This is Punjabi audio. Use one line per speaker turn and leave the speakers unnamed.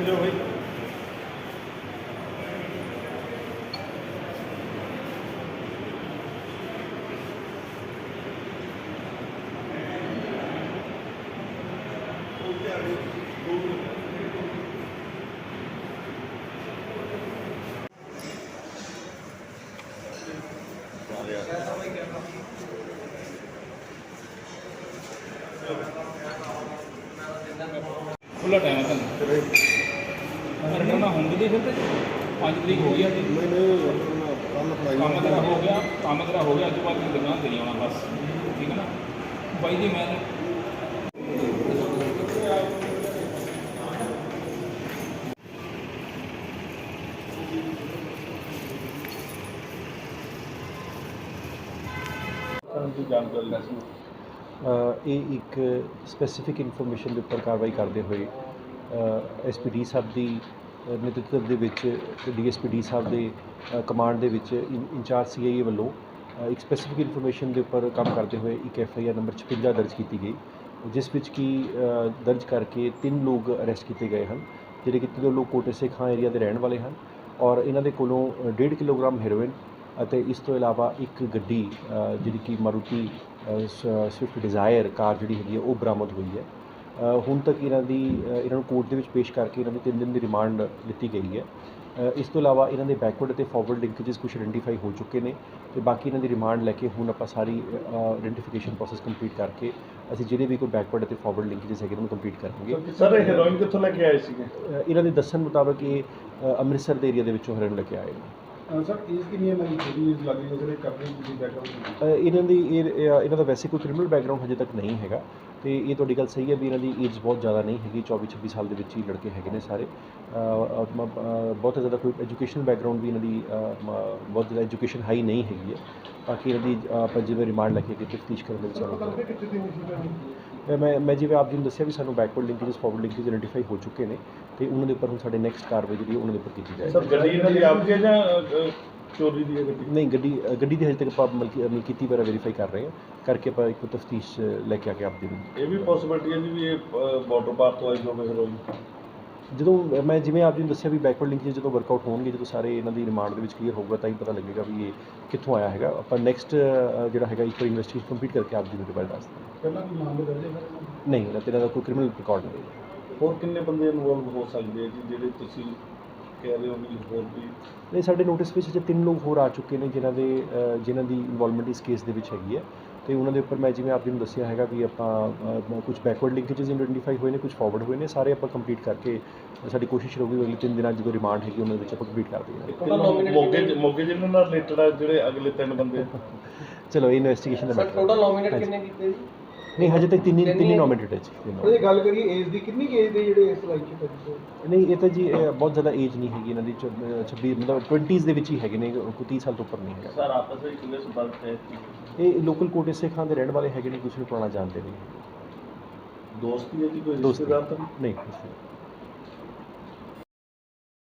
जाओ भाई।
खुला टाइम है रिटर्न होंगे दे फिर 5 तरीक हो गया काम तेरा हो गया अज तो बाद दुकान ते नहीं आना बस ठीक है ना भाई जी मैं जानकारी
ਇਹ ਇੱਕ ਸਪੈਸੀਫਿਕ ਇਨਫੋਰਮੇਸ਼ਨ ਦੇ ਉੱਪਰ ਕਾਰਵਾਈ ਕਰਦੇ ਹੋਏ ਐਸਪੀਡੀ ਸਾਹਿਬ ਦੀ ਨੇਤਰਤਵ ਦੇ ਵਿੱਚ ਡੀਐਸਪੀਡੀ ਸਾਹਿਬ ਦੇ ਕਮਾਂਡ ਦੇ ਵਿੱਚ ਇੰਚਾਰਜ ਸੀਆਈਏ ਵੱਲੋਂ ਇੱਕ ਸਪੈਸੀਫਿਕ ਇਨਫੋਰਮੇਸ਼ਨ ਦੇ ਉੱਪਰ ਕੰਮ ਕਰਦੇ ਹੋਏ ਇੱਕ ਐਫਆਈਆਰ ਨੰਬਰ 56 ਦਰਜ ਕੀਤੀ ਗਈ, ਜਿਸ ਵਿੱਚ ਕਿ ਦਰਜ ਕਰਕੇ 3 ਲੋਕ ਅਰੈਸਟ ਕੀਤੇ ਗਏ ਹਨ, ਜਿਹੜੇ ਕਿ 3 ਲੋਕ ਕੋਟੇ ਸੇ ਖਾਂ ਏਰੀਆ ਦੇ ਰਹਿਣ ਵਾਲੇ ਹਨ ਔਰ ਇਹਨਾਂ ਦੇ ਕੋਲੋਂ 1.5 ਕਿਲੋਗ੍ਰਾਮ ਹੈਰੋਇਨ ਅਤੇ ਇਸ ਤੋਂ ਇਲਾਵਾ ਇੱਕ ਗੱਡੀ ਜਿਹੜੀ ਕਿ ਮਾਰੂਤੀ ਸਵਿਫਟ ਡਿਜ਼ਾਇਰ ਕਾਰ ਜਿਹੜੀ ਹੈਗੀ ਹੈ ਉਹ ਬਰਾਮਦ ਹੋਈ ਹੈ। ਹੁਣ ਤੱਕ ਇਹਨਾਂ ਨੂੰ ਕੋਰਟ ਦੇ ਵਿੱਚ ਪੇਸ਼ ਕਰਕੇ ਇਹਨਾਂ ਦੀ 3 ਦਿਨ ਦੀ ਰਿਮਾਂਡ ਲਿੱਤੀ ਗਈ ਹੈ। ਇਸ ਤੋਂ ਇਲਾਵਾ ਇਹਨਾਂ ਦੇ ਬੈਕਵਰਡ ਅਤੇ ਫਾਰਵਰਡ ਲਿੰਕੇजेस ਕੁਝ ਆਇਡੈਂਟੀਫਾਈ ਹੋ ਚੁੱਕੇ ਨੇ ਅਤੇ ਬਾਕੀ ਇਹਨਾਂ ਦੀ ਰਿਮਾਂਡ ਲੈ ਕੇ ਹੁਣ ਆਪਾਂ ਸਾਰੀ ਆਇਡੈਂਟੀਫਿਕੇਸ਼ਨ ਪ੍ਰੋਸੈਸ ਕੰਪਲੀਟ ਕਰਕੇ ਅਸੀਂ ਜਿਹੜੇ ਵੀ ਕੋਈ ਬੈਕਵਰਡ ਅਤੇ ਫਾਰਵਰਡ ਲਿੰਕੇजेस ਹੈਗੇ ਉਹਨੂੰ ਕੰਪਲੀਟ ਕਰਾਂਗੇ।
ਸਰ ਇਹ ਹੈਰੋਇਨ ਕਿੱਥੋਂ ਲੈ ਕੇ ਆਏ ਸੀਗੇ?
ਇਹਨਾਂ ਦੇ ਦੱਸਣ ਮੁਤਾਬਕ ਇਹ ਅੰਮ੍ਰਿਤਸਰ ਦੇ ਏਰੀਆ ਦੇ ਵਿੱਚੋਂ ਹੈਰੋਇਨ ਲੈ ਕੇ ਆਏ ਨੇ।
ਸਰ ਏਜ ਕਿੰਨੀ ਹੈ? ਮੇਰੀ ਛੋਟੀ ਏਜ ਲੱਗ ਰਹੀ ਹੈ ਜਿਹੜੇ ਕਾਫੀ ਤੁਸੀਂ ਬੈਕਗ੍ਰਾਉਂਡ
ਇਹਨਾਂ ਦਾ ਵੈਸੇ ਕੋਈ ਕ੍ਰਿਮੀਨਲ ਬੈਕਗ੍ਰਾਉਂਡ ਹਜੇ ਤੱਕ ਨਹੀਂ ਹੈਗਾ ਅਤੇ ਇਹ ਤੁਹਾਡੀ ਗੱਲ ਸਹੀ ਹੈ ਵੀ ਇਹਨਾਂ ਦੀ ਏਜ ਬਹੁਤ ਜ਼ਿਆਦਾ ਨਹੀਂ ਹੈਗੀ, 24-26 ਸਾਲ ਦੇ ਵਿੱਚ ਹੀ ਲੜਕੇ ਹੈਗੇ ਨੇ ਸਾਰੇ। ਬਹੁਤ ਜ਼ਿਆਦਾ ਕੋਈ ਐਜੂਕੇਸ਼ਨਲ ਬੈਕਗਰਾਉਂਡ ਵੀ ਇਹਨਾਂ ਦੀ ਬਹੁਤ ਜ਼ਿਆਦਾ ਐਜੂਕੇਸ਼ਨ ਹਾਈ ਨਹੀਂ ਹੈਗੀ ਹੈ। ਬਾਕੀ ਇਹਨਾਂ ਦੀ ਆਪਾਂ ਜਿਵੇਂ ਰਿਮਾਂਡ ਲੈ ਕੇ ਤਫਤੀਸ਼ ਕਰਨ ਦੇ ਵਿੱਚ ਮੈਂ ਜਿਵੇਂ ਆਪ ਜੀ ਨੂੰ ਦੱਸਿਆ ਵੀ ਸਾਨੂੰ backward linkages forward linkage identify ਹੋ ਚੁੱਕੇ ਨੇ ਅਤੇ ਉਹਨਾਂ ਦੇ ਉੱਪਰ ਹੁਣ ਸਾਡੇ ਨੈਕਸਟ ਕਾਰਵਾਈ ਜਿਹੜੀ ਉਹਨਾਂ ਦੇ ਉੱਪਰ ਕੀਤੀ ਜਾਏਗੀ।
ਸਰ ਗੱਡੀ ਇਹਨਾਂ ਦੀ ਆਪ ਦੀ ਹੈ ਜਾਂ ਚੋਰੀ ਦੀ ਹੈ ਗੱਡੀ?
ਨਹੀਂ, ਗੱਡੀ ਦੀ ਹਜੇ ਤੱਕ ਆਪਾਂ ਮਲਕੀਤੀ ਬਾਰੇ ਵੈਰੀਫਾਈ ਕਰ ਰਹੇ ਹਾਂ, ਕਰਕੇ ਆਪਾਂ ਇੱਕ ਤਫਤੀਸ਼ ਲੈ ਕੇ ਆ ਕੇ ਆਪ ਦੀ
ਇਹ ਵੀ ਪੋਸੀਬਿਲਿਟੀ ਹੈ ਜੀ ਵੀ ਇਹ ਬਾਰਡਰ ਪਾਰ ਤੋਂ ਆਈ ਹੋਵੇ ਹੈਰੋਇਨ?
ਜਦੋਂ ਮੈਂ ਜਿਵੇਂ ਆਪ ਜੀ ਨੂੰ ਦੱਸਿਆ ਵੀ ਬੈਕਵਰਡ ਲਿੰਕੇਜ ਜਦੋਂ ਵਰਕਆਊਟ ਹੋਣਗੇ, ਜਦੋਂ ਸਾਰੇ ਇਹਨਾਂ ਦੀ ਰਿਮਾਂਡ ਦੇ ਵਿੱਚ ਕਲੀਅਰ ਹੋਊਗਾ ਤਾਂ ਹੀ ਪਤਾ ਲੱਗੇਗਾ ਵੀ ਇਹ ਕਿੱਥੋਂ ਆਇਆ ਹੈਗਾ। ਆਪਾਂ ਨੈਕਸਟ ਜਿਹੜਾ ਹੈਗਾ ਇੱਕ ਵਾਰ ਇਨਵੈਸਟੀਗੇਸ਼ਨ ਕੰਪਲੀਟ ਕਰਕੇ ਆਪ ਜੀ ਨੂੰ ਰਿਪੋਰਟ ਦੱਸ ਦਿੰਦੇ।
ਪਹਿਲਾਂ ਕੋਈ ਮਾਮਲੇ ਦਰਜ ਹੈ?
ਨਹੀਂ, ਇਹਨਾਂ ਦਾ ਕੋਈ ਕ੍ਰਿਮੀਨਲ ਰਿਕਾਰਡ ਨਹੀਂ।
ਹੋਰ ਕਿੰਨੇ ਬੰਦੇ ਇਨਵੋਲਵ ਹੋ ਸਕਦੇ ਆ ਜੀ ਜਿਹੜੇ ਤੁਸੀਂ ਕਹਿ ਰਹੇ ਹੋ ਵੀ ਹੋਰ ਵੀ?
ਨਹੀਂ, ਸਾਡੇ ਨੋਟਿਸ ਵਿੱਚ ਜੇ 3 ਲੋਕ ਹੋਰ ਆ ਚੁੱਕੇ ਨੇ ਜਿਨ੍ਹਾਂ ਦੀ ਇਨਵੋਲਵਮੈਂਟ ਇਸ ਕੇਸ ਦੇ ਵਿੱਚ ਹੈਗੀ ਹੈ ਅਤੇ ਉਹਨਾਂ ਦੇ ਉੱਪਰ ਮੈਂ ਜਿਵੇਂ ਆਪ ਜੀ ਨੂੰ ਦੱਸਿਆ ਹੈਗਾ ਵੀ ਆਪਾਂ ਕੁਝ ਬੈਕਵਰਡ ਲਿੰਕੇजेस ਆਇਡੈਂਟੀਫਾਈ ਹੋਏ ਨੇ, ਕੁਝ ਫਾਰਵਰਡ ਹੋਏ ਨੇ, ਸਾਰੇ ਆਪਾਂ ਕੰਪਲੀਟ ਕਰਕੇ ਸਾਡੀ ਕੋਸ਼ਿਸ਼ ਰਹੂਗੀ ਅਗਲੇ 3 ਦਿਨਾਂ ਜਦੋਂ ਰਿਮਾਂਡ ਹੈਗੀ ਉਹਨਾਂ ਵਿੱਚ ਆਪਾਂ ਕੰਪਲੀਟ ਕਰ ਦੇਈਏ।
ਮੋਗੇ ਜਿਹਨਾਂ ਨਾਲ ਰਿਲੇਟਡ ਆ ਜਿਹੜੇ ਅਗਲੇ 3 ਬੰਦੇ?
ਚਲੋ ਇਹ ਇਨਵੈਸਟੀਗੇਸ਼ਨ ਦਾ ਮੈਟਰ।
ਟੋਟਲ ਨੋਮੀਨੇਟ ਕਿੰਨੇ ਕੀਤੇ ਜੀ?
ਨਹੀਂ, ਹਜੇ ਤੱਕ ਤਿੰਨ ਹੀ ਨੋਮੀਨੇਟਡ ਹੈ ਜੀ।
ਇਹ ਗੱਲ ਕਰੀਏ ਏਜ ਦੀ, ਕਿੰਨੀ ਏਜ ਦੇ ਜਿਹੜੇ ਇਸ ਲਾਈਨ 'ਚ ਪੈਂਦੇ?
ਨਹੀਂ, ਇਹ ਤਾਂ ਜੀ ਬਹੁਤ ਜ਼ਿਆਦਾ ਏਜ ਨਹੀਂ ਹੈਗੀ ਇਹਨਾਂ ਦੀ, 26 ਮਤਲਬ 20s ਦੇ ਵਿੱਚ ਹੀ ਹੈਗੇ ਨੇ, ਕੋਈ 30 ਸਾਲ ਤੋਂ ਉੱਪਰ ਨਹੀਂ ਹੈਗਾ।
ਸਰ ਆਪਸ ਵਿੱਚ ਕਿੰਨੇ ਸੰਪਰਕ ਹੈ?
ਇਹ ਲੋਕਲ ਕੋਟੇ ਸੇ ਖਾਂ ਦੇ ਰਹਿਣ ਵਾਲੇ ਹੈਗੇ ਨੇ, ਕਿਸੇ ਨੂੰ ਪੁਰਾਣਾ ਜਾਣਦੇ ਨਹੀਂ।
ਦੋਸਤੀ ਹੈ ਜੀ ਕੋਈ
ਦੋਸਤੀ
ਰਿਸ਼ਤੇਦਾਰ ਤਾਂ
ਨਹੀਂ?